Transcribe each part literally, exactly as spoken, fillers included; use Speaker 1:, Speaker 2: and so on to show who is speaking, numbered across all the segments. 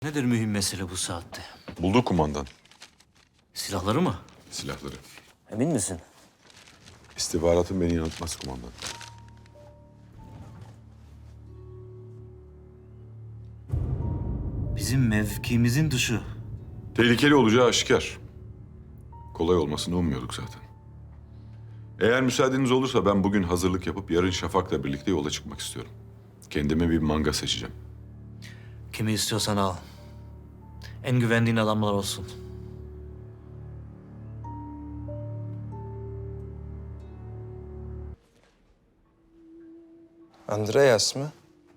Speaker 1: Nedir mühim mesele bu saatte?
Speaker 2: Bulduk kumandan.
Speaker 1: Silahları mı?
Speaker 2: Silahları.
Speaker 1: Emin misin?
Speaker 2: İstihbaratın beni yanıltmaz kumandan.
Speaker 1: Bizim mevkimizin dışı.
Speaker 2: Tehlikeli olacağı aşikar. Kolay olmasını ummuyorduk zaten. Eğer müsaadeniz olursa ben bugün hazırlık yapıp yarın Şafak'la birlikte yola çıkmak istiyorum. Kendime bir manga seçeceğim.
Speaker 1: Kimi istiyorsan al. En güvendiğin adamlar olsun.
Speaker 3: Andreas mı?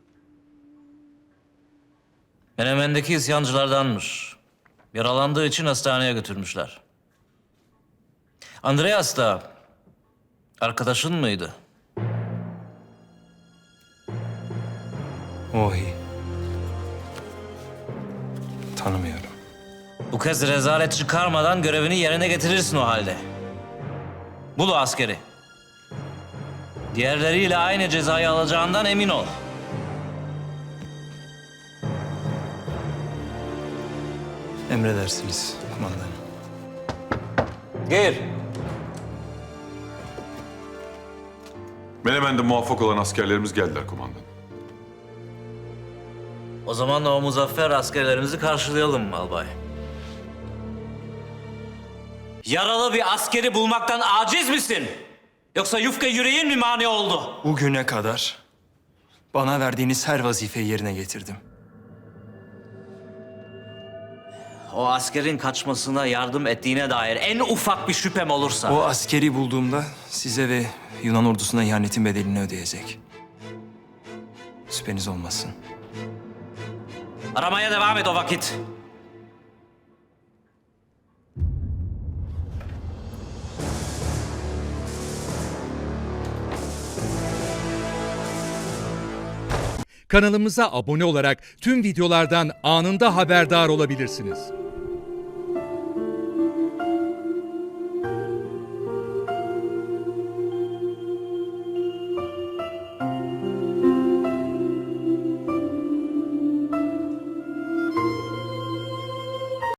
Speaker 1: Menemen'deki isyancılardanmış. Yaralandığı için hastaneye götürmüşler. Andreas da arkadaşın mıydı?
Speaker 3: Ohi. Tanımıyorum.
Speaker 1: Bu kez rezalet çıkarmadan görevini yerine getirirsin o halde. Bul o askeri. Diğerleriyle aynı cezayı alacağından emin ol.
Speaker 3: Emredersiniz kumandanım.
Speaker 1: Gir.
Speaker 2: Menemen'de muvaffak olan askerlerimiz geldiler kumandan.
Speaker 1: O zaman o muzaffer askerlerimizi karşılayalım albay. Yaralı bir askeri bulmaktan aciz misin? Yoksa yufka yüreğin mi mani oldu?
Speaker 3: Bugüne kadar bana verdiğiniz her vazifeyi yerine getirdim.
Speaker 1: O askerin kaçmasına yardım ettiğine dair en ufak bir şüphem olursa...
Speaker 3: O askeri bulduğumda size ve Yunan ordusuna ihanetin bedelini ödeyecek. Şüpheniz olmasın.
Speaker 1: Aramaya devam et o vakit.
Speaker 4: Kanalımıza abone olarak tüm videolardan anında haberdar olabilirsiniz.